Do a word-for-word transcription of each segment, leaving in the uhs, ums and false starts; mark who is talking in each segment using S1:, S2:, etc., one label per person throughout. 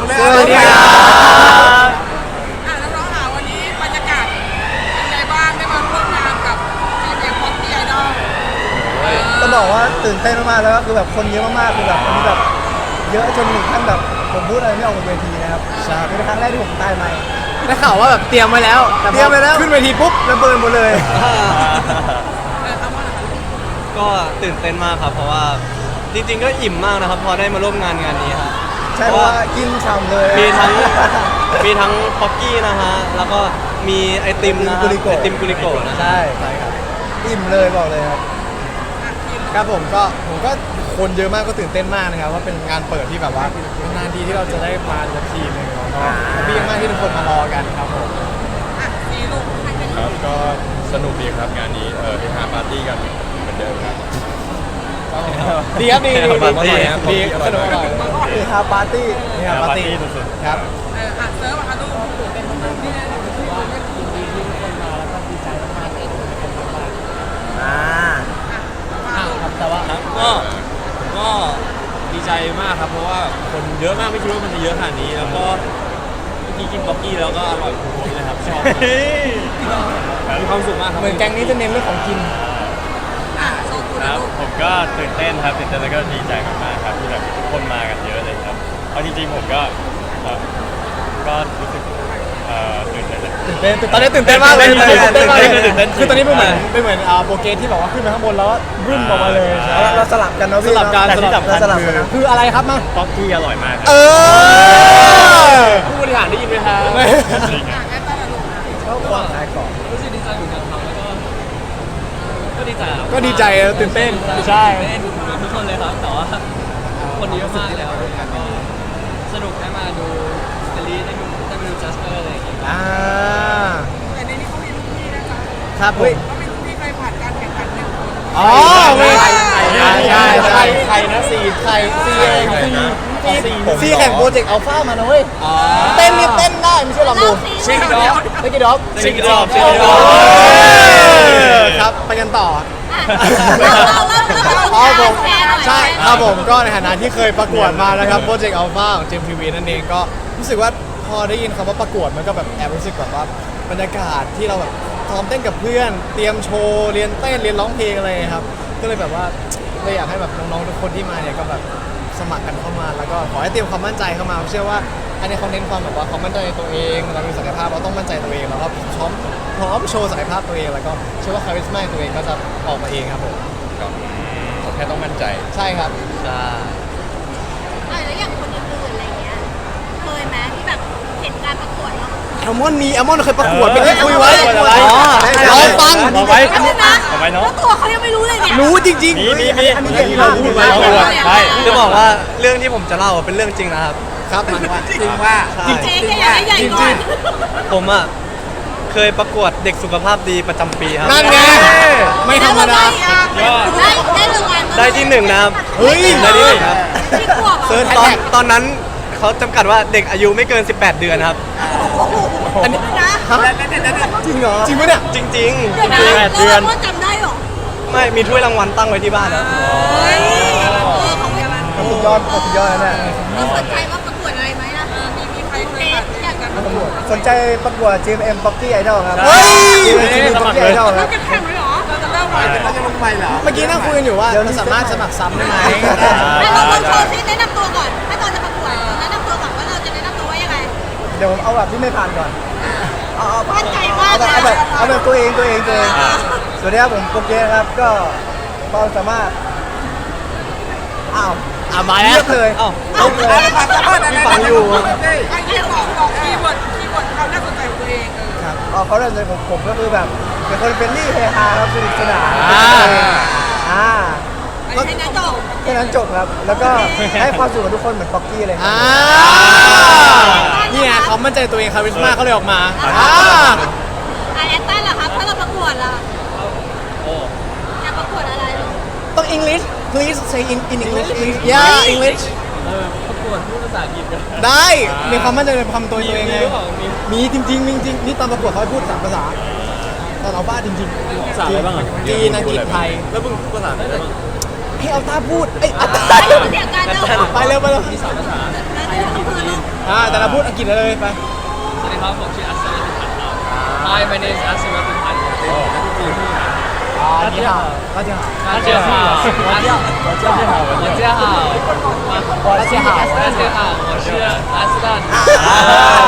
S1: ด้วย
S2: สวัสดีครับ
S1: อ่ะแล้วน้องหาวันนี้บรรยากาศเป็นไงบ้างได้มาร่วมงานกับทีมเอ็มพ็อกกี้ไอดอล
S2: ต้องบอกว่าตื่นเต้นมากๆแล้วก็คือแบบคนเยอะมากๆคือแบบวันนี้แบบเยอะจนถึงขั้นแบบผมพูดอะไรไม่ออกบนเวทีนะครับใช่เป็นครั้งแรกที่ผมตายใหม่
S3: ได้ข่าวว่าแบบเตรียมไว้แล้วแต่
S2: เตรียมไปแล้ว
S3: ขึ้นเวทีปุ๊บ
S2: ระเบิดหมดเลย
S1: เออเอามาหน่อย
S4: ก็ตื่นเต้นมากครับเพราะว่าจริงๆก็อิ่มมากนะครับพอได้มาร่วมงานงานนี้ครับ
S2: ใช่เพราะว่ากินฉ่ำเลย
S4: มีทั้งมีทั้งป๊อกกี้นะฮะแล้วก็มีไอติมนะฮะไอติมกุลิโกะนะ
S2: ใช่ใช่ครับอิ่มเลยบอกเลยครับ
S1: อ่ะทีม
S3: ครับผมก็ผมก็คนเยอะมากก็ตื่นเต้นมากนะครับว่าเป็นงานเปิดที่แบบว่านานทีที่เราจะได้มาสักทีหนึงแล้วก็แฮปปี้มากที่ทุกคนมารอกันครับผม
S1: อ่ะสีลูกใครเป็น
S5: ครับก็สนุกดีครับงานนี้เออเฮฮาปาร์ตี้กันเหมือนเดิมครับ
S3: ดีครับดีดี
S5: ปาร์ตี้ครับ
S3: ดีสนุกอร่อย
S2: คือฮาปาร์ตี้
S3: นี่ครับปาร์ตี้
S5: สุด
S3: ครับ
S1: เอออ่ะเซิร์ฟอ่ะลูกเป็นประมาณนี้นะ
S2: อ่า
S3: แต่ว่า
S5: ครับก็ก็ดีใจมากครับเพราะว่าคนเยอะมากไม่คิดว่ามันจะเยอะขนาดนี้แล้วก็เมื่อกี้กินบ็อกกี้แล้วก็อร่อยทุกคนเลยครับชอบมากมีความสุขมากครับ
S3: เหมือนแก๊งนี้จะเน้นเรื่องของกิน
S1: อ่ะโชว์คุณ
S5: ค
S1: นะ
S5: รับ
S1: ลูก
S5: ผมก็ตื่นเต้นครับตื่นเต้นแล้วก็ดีใจมากๆครับที่แบบทุกคนมากันเยอะเลยครับเอาจริงๆผมก็ครับก็รู้สึกเอ่อตื่นเต้นเลย
S3: ตื่นเต้นตอนนี้ตื่นเต้นมากเลย
S5: ตื่นเต้น
S3: ตื่นเต้นมากเลย
S5: ตื่นเต้น
S3: คือตอนนี้เป็นเหมือนเป็นเหมือนอ่าโปรเกรสที่แบบว่าขึ้นไปข้างบนแล้วบึ้มออกมาเลยใช่
S2: เราเราสลับกันเนาะ
S3: ส
S2: พี่
S3: ลับกัน
S5: แต่ที่
S3: สลับ
S5: สำคัญ
S2: เราสลับ
S5: คื
S2: กัน
S5: อ
S2: นะ
S3: คืออะไรครับมา
S5: บ็อกกี้อร่อยมากครับ
S3: เออ
S5: ผู้บริหารได้ยินไหมครับจริง
S1: อ่ะ
S5: อะ
S1: แอตตาละลูกนะ
S2: ชอบความขายของ
S6: รู้สึกดีใจเหมือนกันครับแล้วก็ก็ดีใจครับ
S3: ก็ดีใจตื่นเต้นใช่
S6: เต้นทุกคนเลยครับแต่ว่าคนเยอะมากแล้วแล้วก็สนุกได้มาดูสตรีได้ดูได้มาดูจัสเปอร์อะไรอย่างเงี้ย
S3: อ่า
S1: แต่ในนี้เขามีลูกพี่นะคะ
S3: ครับผม
S1: เขามีลูกพี่เคยผ่านการแข่งขันหนึ่งคน
S3: อ๋อไม่
S1: ใช่
S3: ใช่ใช่ใช่ใครนะสี่ใครสี่เองสี่สี่แข่งโปรเจกต์อัลฟามานะเว้ยเต้นนี่เต้นได้ไม่ใช่หรอกดู
S1: ชิงดอก
S3: เต้นกี่ดอก
S5: ซิงเกิลรอบซิง
S3: โอ้
S5: เกิล
S3: โห
S5: รอบ
S3: ครับไปกันต่อ
S7: เราเริ่มเริ่ม
S3: อ๋อผม
S7: แชร์หน่อย
S3: ใช่ครับผมก็ในฐานะที่เคยประกวดมานะครับโปรเจกต์อัลฟาของเจมทีวีนั่นเองก็รู้สึกว่าพอได้ยินคำว่าประกวดมันก็แบบแอบรู้สึกแบบว่าบรรยากาศที่เราแบบซ้อมเต้นกับเพื่อน เตรียมโชว์เรียนเต้นเรียนร้องเพลงอะไรครับก็เลยแบบว่าเลยอยากให้แบบน้องๆทุกคนที่มาเนี่ยก็แบบสมัครกันเข้ามาแล้วก็ขอให้เตรียมความมั่นใจเข้ามาเชื่อว่าอันนี้เขาเน้นความแบบว่าความมั่นใจในตัวเองเรามีศักยภาพเราต้องมั่นใจตัวเองแล้วก็พร้อมพร้อมโชว์ศักยภาพตัวเองแล้วก็เชื่อว่าคาริสมาตัวเองก็จะออกมาเองครับผม
S5: ก็แค่ต้องมั่นใจ
S3: ใช่ครับ
S4: ใช่
S7: เออแล้วอย่างคนอื่นๆอะไรเงี้ย เคยไหมที่แบบเห็นการประกวดแล้ว
S3: แอลมอนมีแอลมอนเคยประกวด
S5: เออ
S3: ไม่ได้คุยไว้
S5: ประกวดอะไร
S3: อ๋อรอฟัง
S5: ต่อไป
S7: รู้นะ
S5: ต่อไปเนอะ
S7: แล้วตัวเขายังไม่รู้เลยเนี่ย
S3: รู้จริง
S5: มีมีมี
S2: อันนี้
S5: อันนี้เราพูดไว้เราพูดไว้ใช่
S4: จะบอกว่าเรื่องที่ผมจะเล่าเป็นเรื่องจริงนะครับ
S3: ๆครับมาว่า
S2: จริงว่า
S4: ใช่
S7: เจ๊แกอยากให้ใหญ่ก่อน
S4: ผมอ่ะเคยประกวดเด็กสุขภาพดีประจำปีครับ
S3: นั่นไงไม่ธรรมดา
S5: ยอด
S7: ได้ได้รางวัล
S4: ได้ที่หนึ่งนะครับ
S3: เฮ้ย
S4: ได้ที่หนึ่งครับ
S7: ที่ขวบ
S3: เซิร์ช
S4: ตอนตอนนั้นเขาจำกัดว่าเด็กอายุไม่เกิน สิบแปด เดือนครับ
S3: อันนี้
S7: นะ
S3: ฮะจริงเหรอจริงปะเนี่ย
S4: จริง
S7: เดี๋ยวนะ
S5: แปดเดือน
S7: แล้วเราจำได้เหรอ
S4: ๆ ไม่มีถ้วยรางวัลตั้งไว้ที่บ้านครับ
S7: เฮ้ยเออของเวลา
S2: สุดยอดสุดยอดแล้วเนี่ย
S7: เราสนใจว่าประกวดอะไรไหมนะ
S1: มีมีใครเคยผ่านการแข่งขันประกวด
S2: สนใจประกวด จี เอ็ม Pocky Idol ครับ
S3: เฮ้ย
S2: จี เอ็ม Pocky Idol ครับ
S1: จะแข่งไหมหรอเราจะเริ่มวันเราจะลงไปเหรอ
S3: เมื่อกี้นั่งคุยกันอยู่ว่าเราสามารถสมัครซ้ำได้ไหม
S7: ให้เราลองโชว์ซิแนะนำตัวก่อน ถ้าตอนจะประกวดแนะนำตัวก่อนว่าเราจะแนะนำตัวว่ายังไง
S2: เดี๋ยวผมเอาแบบที่ไม่ผ่านก่อน เอาเอา
S7: มั่นใจมาก
S2: เอาแบบ
S7: นะ
S2: เอาแบบเอาแบบตัวเองตัวเองตัวเองสวัสดีครับผมโปเกครับ ก็ความสามารถ อ้าว
S3: อ่ะมา
S2: เลื
S3: แล้ว
S2: อกเลย
S4: เอ้า
S2: เลือกเลย
S4: มีฟังอยู่
S1: ไอ้ที่บอกบอกคีย์เวิร์ดคีย์เวิร์ดความน่าสนใจของตัวเองเออ
S2: ครับอ๋อเขาเริ่มเลยผมผมก็คือแบบเป็นคนเฟรนลี่เฮฮาครับสนุกสนาน
S3: อ่า
S2: อ่า
S7: อันนี้นะจบ
S2: แค่นั้นจบครับ แล้วก็ให้ความสุขกับทุกคนเหมือนป๊อกกี้เลยครั
S3: อ่า
S2: บ
S3: เนี่ยเขามั่นใจตัวเองคาริสมาเขาเลยออกมาอ่า
S7: อ่ะแอนตันล่ะครับ ถ้าเราประกวดล่ะอยากประกวดอะไรลูก
S3: ต้อง English please say in in English please yeah English
S6: เออประกวดพูดภาษาอังกฤษกัน
S3: ได้มีความมั่นใจในความตัวตัวเองไง
S6: มีหรือเปล่ามี
S3: มีจริงๆมีจริงๆนี่ตอนประกวดเขาให้พูดสามภาษาตอนเราบ้าจริงๆ
S6: ภาษาอะไรบ้างอ่ะ
S3: จีนอังกฤษไทย
S6: แล้วมึงภาษาได้ไหนบ้าง
S3: ให้เอาตาพูดเอ้ยเอาตา
S7: เสียงการเดิน
S3: ไปเร็วไปเร็ว
S6: มีสามภาษา
S7: แล้วเดี๋ยวคือลูก
S3: อ่าแต่เราพูดอังกฤษเลยไป
S6: สวัสดีครับผมชื่ออัศวินพันธ์ครับ Hi my name is อัศวินพันธ์ครับ
S3: 大家好大家好
S6: 大家好大家好大家好大家好大家好大家好我是阿斯顿
S4: อ่า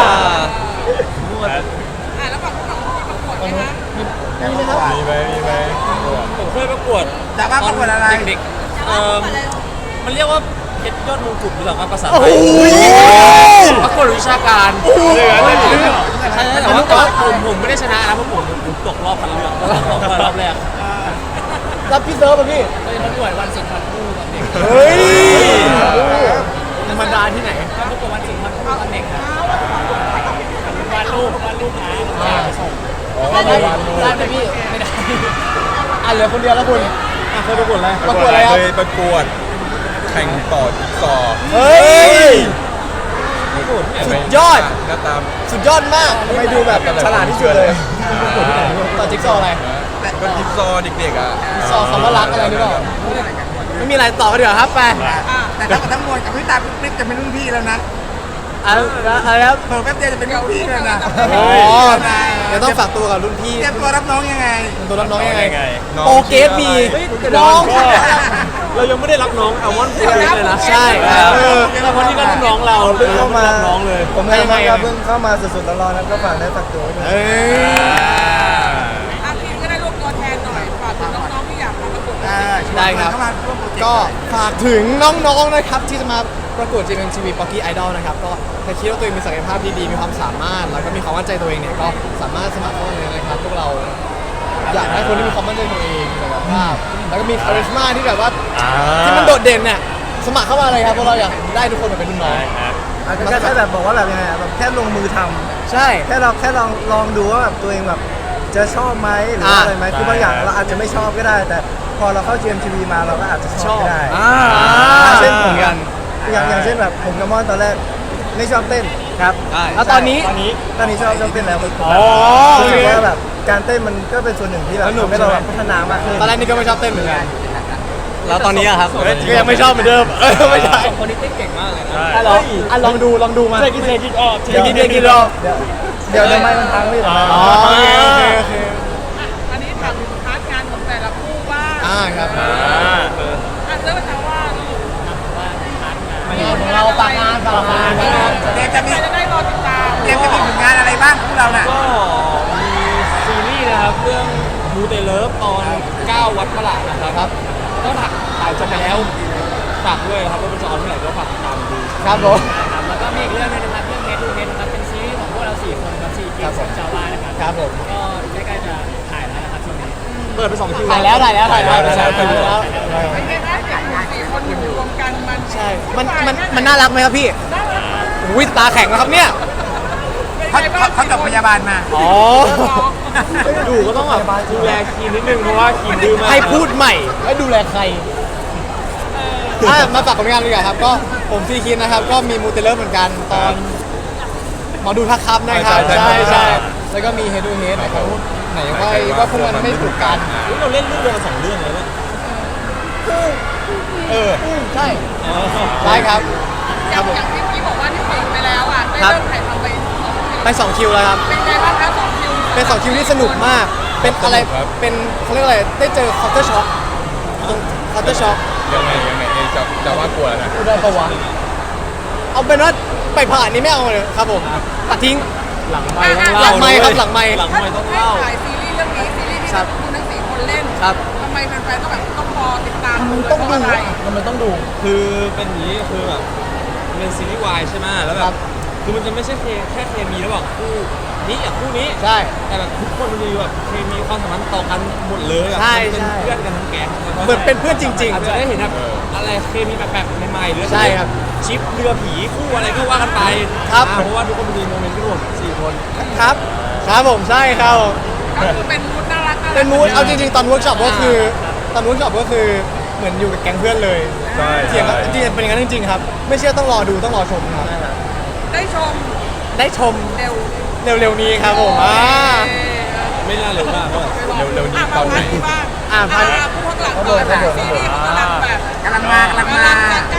S1: อ่ะแล้วฝั่งฝั่งที่ประกวดไหมคะ
S3: มีไหมครับ
S5: มีไหมมีไหมผมเคยประกวด
S2: แต่ว่าประกวดอะไร
S5: เด็กๆเอ่อมันเรียกว่าเพชรยอดมงกุฎหรือเปล่าครับภาษาไทยประกวดวิชาการเหลือเลยใช่แต่ว่าแต่ว่าผมผมไม่ได้ชนะนะเพราะผมผมตกรอบคัดเลือกตกรอบแรก
S3: รับพี่เซิร์ฟป่ะพี่
S6: เคยประกวดวันสุนทรภู่ตอนเด็ก
S3: เฮ้ยธรรมดาที่ไหน
S6: ประกวดวันสุนทรภู่ตอนเด็กครับวาดรูปวาดรูปนะไปส่ง
S3: ได้ไหมได้ไหมพี่ไม่ได้อ่ะเหลือคนเดียวแล้วคุณอ่ะเคยประกวดอะไรประกวดอะไรครับ
S8: เคยประกวดแข่งต่อจิ๊กซอว์
S3: เฮ้ยสุดยอด
S8: หน้าตาม
S3: สุดยอดมากทำไมดูแบบฉลาดที่สุดเลยต่อจิ๊กซอว์อะไร
S8: ก็จิ๊กซอว์เด็กๆอ่ะ
S3: จิ๊กซอว์คำว่ารักอะไรหรือเปล่าไม่มีอะไรต่อกันเดี๋ยวาครับไป
S2: แต่ถ้าทั้งมวลกับพี่ตาปิ๊บจะเป็นรุ่นพี่แล้วนะ
S3: อะไรครับ
S2: เพิ่มแป๊บเดียวจะเป็นรุ่นพี่แล้วนะ
S3: อ๋อเดี๋ยวต้องฝากตัวกับรุ่นพี่
S2: เตรียมตัวรับน้องยังไง
S3: ตัวรับน้องยังไง
S8: น้อง
S3: โปรเกสมีน้อง
S5: เรายังไม่ได้รับน้องแอลมอนพูดเลยนะ
S3: ใช่ครับ
S5: เออแล้วคนนี้ก็รุ่นน้องเรา
S2: เพิ่งเข้ามา
S5: รับน้องเลย
S2: ผมยังไงครับเพิ่งเข้ามาสุดๆร้อนๆนะก็ฝากได้ฝากตัวด้วย
S3: เอ้ย
S1: อ่ะทีมก็ได้รวบตัวแทนหน่อยฝากถึงน้องๆที่อยากมาประกวด
S3: ได้ครับ ก็ฝากถึงน้องๆนะครับที่จะมาประกวด จี เอ็ม ที วี Pocky Idol นะครับก็ถ้าคิดว่าตัวเองมีศักยภาพดีๆมีความสามารถแล้วก็มีความมั่นใจตัวเองเนี่ยก็สามารถสมัครเข้ามาเลยนะครับพวกเราอยากได้คนที่มีความมั่นใจตัวเองมีศักยภาพแล้วก็มีคาริสมาที่แบบว่าที่มันโดดเด่นเนี่ยสมัครเข้ามาเลยครับเพราะเราอยากได้ทุกคนมาเป็นรุ่นน้อง
S2: อาจจะแค่แบบบอกว่าแบบยังไงอะแบบแค่ลงมือทำ
S3: ใช่
S2: แค่เราแค่ลองลองดูว่าแบบตัวเองแบบจะชอบไหมหรือว่า
S3: อ่า
S2: อะไรไหมคือบางอย่างเราอาจจะไม่ชอบก็ได้ แต่พอเราเข้า จี เอ็ม ที วี มาเราก็อาจจะชอบก็ได้
S3: อ่า
S2: เช่น
S3: เหมือนกัน
S2: อย่างอย่างเช่นแบบผมกับมอนตอนแรกไม่ชอบเต้น
S3: ครับ
S4: ได้
S3: แล้วตอนนี้
S2: ตอนนี้ตอนนี้ชอบชอบเต้นแล้วผม
S3: อ๋อ
S2: รู้สึก
S3: โอเค
S2: ว่าแบบการเต้นมันก็เป็นส่วนหนึ่งที่แบบ
S3: สนุก
S2: ทำให้เรา
S3: ใช่ไหม
S2: พัฒนามากขึ้น
S3: ตอนแรกนี่ก็ไม่ชอบเต้นเหมือนกัน
S4: แล้วตอนนี้อะครับ
S3: ก็ยังไม่ชอบเหมือนเดิมเออไม่ใช่
S6: สองคนนี้เต้นเก่งมากเลยนะ
S3: อ่ะลองอ่ะลองดูลองดูมาเทคิเทคิออกเทคิเทคิออก
S2: เดี๋ยวเดี๋ยวเดี๋ยวไม่มันพังไม่ได้
S3: อ๋อโอเคโอเคโอเค
S1: อันนี้ถามถึงพาร์ทงานของแต่ละคู่บ้าง
S3: อ่าครับ
S1: อ่ะเริ่มจากว่าลูก
S3: ของเราฝากงานฝากงาน
S2: เดี๋ยวจะมี
S1: ใครจะได้รอติดตาม
S2: เดี๋ยวจะมีผลงานอะไรบ้างพวกเราน่ะ
S5: ก็มีซีรีส์นะครับเรื่องมูเตเลิฟตอนเก้าวัดประหลาดนะครับ
S3: ครับ
S5: ก็ถ่ายถ่ายจบไปแล้วฝากด้วยครับว่ามันจะออนเมื่อไหร่ก็ฝากติดตามดู
S3: ครับผม
S6: ครับแล้วก็มีอีกเรื่องหนึงนะครับเรื่องเฮดทูเฮดนะครับเป็นซีรีส์ของพวกเราสี่คนครับสี่คิวของชาวบ้านนะครับ
S3: ครับผม
S6: ก็ใกล้ๆจะถ่ายแล้วนะครับช่วงนี้
S5: เปิดไปสองคิว
S3: ถ่ายแล้วถ่ายแล้วถ่ายแล้วถ่ายแล้วถ่ายแล้ว
S1: ไม่ใช่นะเด็กสี่คนอยู่รวมกันมัน
S3: ใช่ มันมันมันน่ารักไหมครับพี่อุ้ยตาแข็งแล้วครับเนี่ย
S2: เขาเขาเขาจบพยาบาลมา
S3: อ๋อ
S5: อยู่ก็ต้องแบบดูแลคีนนิดนึงเพราะว่าคีนดื้อมาก
S3: ให้พูดใหม่แล้วดูแลใครอ่ะมาฝากผลงานดีกว่าครับ ก็ผมซีคินนะครับ ก็มีมูเตเลอร์เหมือนกันตอนหมอดูทักครับนะครับ
S8: ใช่
S3: ใช่
S8: ใช่
S3: ใช่แล้วก็มีเฮดูเฮดนะครับไหนว่าว่าพวกมันไม่ถูกกัน
S5: อุ๊ยเราเล่นเรื่องเดียวกันสองเรื่องเลยเนี่ย
S3: เออใช่ใช่ครับ
S1: อย่างอย่างที่พี่บอกว่าที่ปิดไปแล้วอ่ะได้เริ่มถ่ายทำไปสองคิว
S3: ไปสองคิวแล้วครับ
S1: เป็นไงบ้างคะสองคิว
S3: เป็นสองคิวที่สนุกมาก เป็นอะไร เป็นเขาเรียกอะไร ได้เจอคอ u เตอร์ช็อคตรงคอ u เตอร์ช็อค
S8: ยังไงยังไงเอะจะจะว่ากลัวแล้วนะ
S3: ได้ปะวะเอาเป็นว่าไปผ่านนี้ไม่เอาเลยครับผมตัดทิ้ง
S5: หลังไมค์ต้อง
S3: หลั
S5: เล่าง
S3: ไมค์ครับหลังไมค์
S5: หลังไมค์ต้อง
S1: ให้
S5: เล่า
S1: ถ่ายซีรีส์เรื่องนี้ซีรีส์ที่
S3: ครับ
S1: คุณทั้งสี่คนเล่น
S3: ครับ
S1: ทำไมแฟนๆต้องแบบต้องรอติดตาม
S3: มันต้อง
S1: เพ
S3: ดู
S1: ราะอะไร
S3: มันต้องดู
S5: คือเป็นอย่างนี้คือแบบมันเป็นซีรีส์วายใช่ไหมแล้วแบ
S3: ครับ บ
S5: คือมันจะไม่ใช่เคแค่เคมีระหว่างคู่นี้กับคู่นี้
S3: ใช่
S5: แต่แบบทุกคนมันจะมีแบบเคมีความสัมพันธ์ต่อกันหมดเลยแบบ
S3: ใช่
S5: มันเป็น
S3: ใช่
S5: เพื่อนกันทั้งแก๊ง
S3: เหมือนเป็นเพื่อนจริงๆ
S5: อาจจะได้เห็นแบบอะไรเคมีแปลกๆใหม่ๆหรือ
S3: ใช่ครับ
S5: ชิปเรือผีคู่อะไรก็ว่ากันไป
S3: ครับ
S5: อ่าเพราะว่าทุกคนมันมีโมเมนต์กันหมดสี่คน
S3: ครับ ครับผมใช่ครับ
S1: ก็คือเป็นมูดน่ารักน่ารัก
S3: เป็นมูดเอาจริงๆ ตอนเวิร์กช็อปก็คือ ตอนเวิร์กช็อปก็คือเหมือนอยู่กับแก๊งเพื่อนเลย
S8: ใช่
S3: เถียงกันจริงๆเป็นอย่างนั้นจริงๆครับ ไม่เชื่อต้องรอดูต้องรอชมครับ
S1: ได้ชม
S3: ได้ชม
S1: เร็ว
S3: เร็วๆนี้ครับผมอ่า
S1: เอ่อ
S5: ไม่น่าเร็วมากก็
S8: เร็วๆนี้
S1: อ่ะ
S8: ตอนไหน
S1: มาพักที่บ้าง
S3: อ่ะพัก
S1: อ่ะผู้ข้างหลังก่อนซีรีส์มันกำลังแบบ
S2: กำลังมากำลัง
S1: กำ
S2: มา
S1: ลังจะใกล้แล้วใก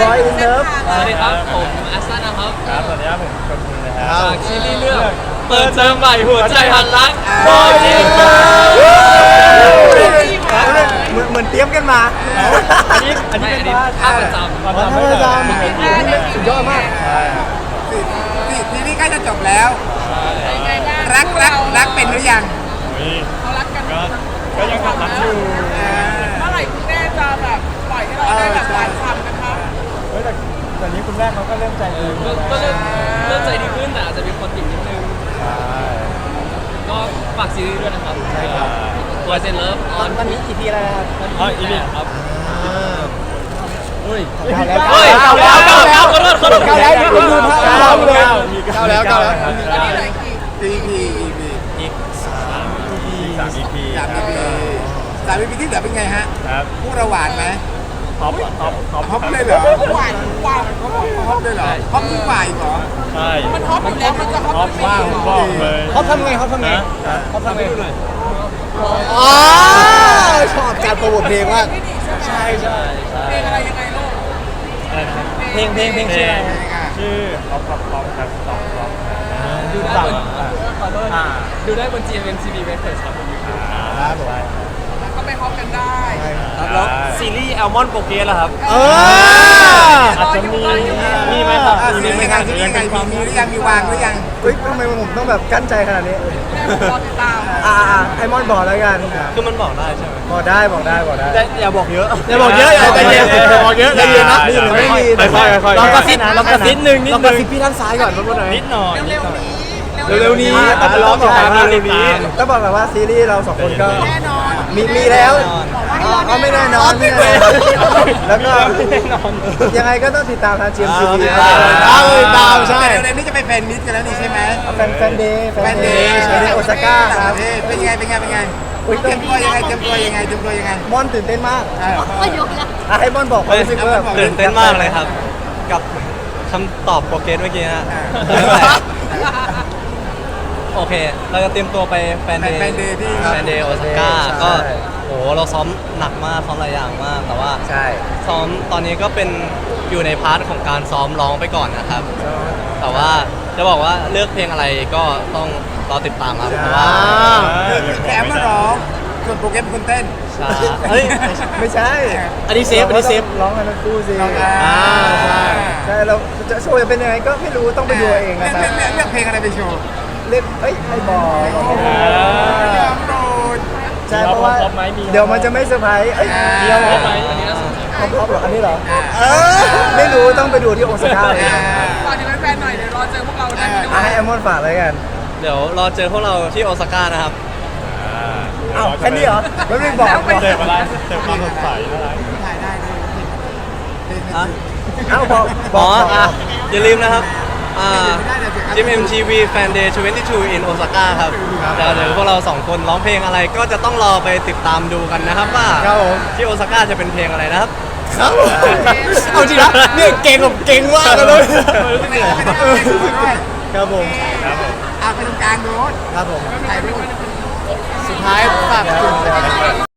S2: บอยอินเลิฟ
S6: สวัสดีครับ ผมแอสตันนะครับ
S5: ครับสวัสดีครับผมคนคุณนะครั
S6: จากซีรีส์เรื่องเปิดเทอมใหม่หัวใจหันรัก
S2: บอยอินเลิฟ
S1: ฟ
S2: เหมือนเหมือนเตรียมกันมา
S6: อันนี้อันนี้เป็นภาพประจำ
S2: วันธรรมดาสุดยอดมาก
S1: ทีนี้ใกล้จะจบแล้วรักรักรักเป็นหรือยังเขารักกันก็ก็ยังรักอยู่เมื่อไหร่คุณแม่จะแบบปล่อยให้เราได้แบบหวานฉ่ำกันคะ
S2: เฮ้ยแต่แต่นี้คุณแม่เขาก็เริ่มใจดี
S6: ก็ก็เริ่มเริ่มใจดีขึ้นแต่อาจจะมีคนติดนิดนึงก็ฝากซีรีส์ด้วยนะครับใช่ครับตัวเซนเลิฟออน
S2: ตอนนี้กี่ทีแล้วครับ
S6: อ๋ออีนี่ครับเฮ้ย
S2: เก้าแล้ว
S6: เฮ้ยเก้าแล้วเก้าแล้วขอโทษขอโทษ
S2: เก้าแล้วคุณดูภาพเก้าเลย
S3: เก้าแล้วเก้าแล้ว
S1: ตอนนี้เหลือกี่
S8: อี พี อี พี
S3: อีกสาม
S5: สาม อี พี
S8: สาม อี พี สาม อี พีที่เหลือเป็นไงฮะ
S5: ครับ
S8: พวกเราหวานไหม
S5: ท็อปท็อปท็อป
S8: ฮอปเลยเหรอ
S1: หวานหวาน
S8: ฮอปเลยเหรอฮอปยิ่งกว่าอีกเหรอ
S5: ใช่
S1: มันฮอปอยู่แล้วมันจะฮอป
S5: ท็อปมากผมบอกเลย
S2: เขาทำไงเขาทำไง
S5: นะ
S2: เขาทำไง
S3: อ๋อชอบการโปรโมทเพลงมาก
S1: ใช่ใช่เพลงอะไรยังไงลูก
S5: อะไรนะครับ
S2: เพลงเพลงเพลงชื่ออะไร
S5: ชื่อท็อปท็อปท็อปครับท็อปท็อป
S6: ดูได้บนขอโทษดูได้บน จี เอ็ม เอ็ม ที วี Records ครับ
S5: ครับผม
S1: ก็ไปฮอปกันได้
S5: แล้วซีรีส์แอลมอนโปเกสล่ะครับ
S3: เออ
S5: อาจจะมีมีไหมครับ
S8: อ่ะซีรีส์เป็นไงซีรีส์เป็นไงมีมีหรือยังมีวางหรือยัง
S2: เฮ้ยทำไมผมต้องแบบกั้นใจขนาดนี้
S1: แม่ผมรอติดตาม
S2: อ่าไอมอนบอกแล้วกัน
S4: คือมันบอกได้ใช่ไหม
S2: บอกได้บอกได้บอกได้
S5: แต่อย่าบอกเยอะ
S3: อย่าบอกเยอะอย่าใจเย็นอย่าบอกเยอะใจเย็นนะ
S2: นี่หรือไม่มี
S5: ค่อยๆค่อยๆ
S3: ลองกระซิบ
S2: นะ
S3: ลองกระซิบ
S5: นิดนึงนิดนึง
S3: ลองกระซิบพี่ด้านซ้ายก่อนพูดหน่อย
S5: นิดหน่อย
S1: เร็วๆนี้
S3: เร็วๆนี้
S2: อ่ะ
S3: ต้อง
S2: ต้อง
S3: บบ อ
S2: อก ก
S3: ตาม
S2: ว่า
S3: เร็วๆนี้
S2: ต้องบอกแบบว่าซีรีส์เราสองคนก็
S1: แน่นอน
S2: มีมีแล้วอ๋ออ๋อไม่แน่นอนไม่แน่นอนแล้วก็ยังไงก็ต้องติดตามทาง จี เอ็ม ที วี
S3: อ่าตามเลยตามใช่
S8: แต่เร็วๆนี้จะไปแฟนมิตกันแล้วนี่ใช่ไหม
S2: แฟนแฟนเดย์แฟ
S8: แฟ
S2: น
S8: น
S2: เด
S8: เด
S2: ย์
S8: ย์
S2: แฟนเดย์โอซาก้าครับ
S8: เออเป็นไงเป็นไงเป็นไง
S2: อุ๊ย
S8: เตรียมตัวยังไงเตรียมตัวยังไงเตรียมตัวยังไง
S2: มอนตื่นเต้นมาก
S8: เออ
S7: ก็ยกแล้ว
S2: อ่ะให้มอนบอกความรู้สึกว่าแบบ
S4: ตื่นเต้นมากเลยครับ กับคำตอบโปรเกสเมื่อกี้ฮะโอเค เราจะเตรียมตัวไปแฟนเดย์
S8: แฟนเดย์ที่
S4: แฟนเดย์โอซาก้าก็โหเราซ้อมหนักมากซ้อมหลายอย่างมาก แต่ว่า
S2: ใช่
S4: ซ้อมตอนนี้ก็เป็นอยู่ในพาร์ทของการซ้อมร้องไปก่อนนะครับ แต่ว่าจะบอกว่าเลือกเพลงอะไรก็ต้องรอติดตามครับเพราะว่า
S8: คือแกมาร้องส่วนโปรแกรมเป็นคนเต้น
S4: ช้าเฮ้ย
S2: ไม่ใช่
S3: อันนี้เซฟอันนี้เซฟ
S2: ร้องกันทั้งคู่สิ
S8: ร้องกัน
S2: อ่าใช่ใช่เราจะโชว์จะเป็นยังไงก็ไม่รู้ต้องไปดูเอง
S8: เลื
S2: นะ
S8: อก
S2: ครับ
S8: เลือกเลือกเพลงอะไรไปโชว์
S2: เล่นเอ้ยไม่บอก
S8: ยอมโดน
S2: ใช่เพราะว่าเดี๋ยวมันจะไม่เซอร์ไพรส์เอ้ย
S8: เดี๋ยว
S6: พบไหมอันนี้น่าสนใจ
S2: พร้อมๆเหรออันนี้เหรอเออไม่รู้ต้องไปดูที่โอซาก้าเลย
S1: ตอนนี้แฟนๆหน่อยเดี๋ยวรอเจอพวกเราได้ที่
S2: อ่ะให้แอมมอนฝากเลยกัน
S4: เดี๋ยวรอเจอพวกเราที่โอซาก้านะครับ
S2: เอ้าแค่นี้เหรอไม่ได้บอกบอก
S5: เติมอะไรเติมความสดใสอะไร
S8: ถ่ายได้เลย
S4: อ่ะ
S2: เอ้าบอกบ
S4: อ๋
S2: อ
S4: อก
S2: บอก
S4: อ่ะอย่าลืมนะครับอ่า จิม เอ็ม ที วี Fan Day ยี่สิบสอง in Osaka ครับเดี๋ยวเดี๋ยวพวกเราสองคนร้องเพลงอะไรก็จะต้องรอไปติดตามดูกันนะครับว่า
S2: ครับผม
S4: ที่โอซาก้าจะเป็นเพลงอะไรนะครับ
S3: ครับเอาจริงนะเนี่ยเก่งแบบเก่งมากเลย
S2: ครับผม
S8: เอาไปตรงกลางโน้ต
S2: ครับผม
S8: ถ่ายรูป
S3: สุดท้ายฝาก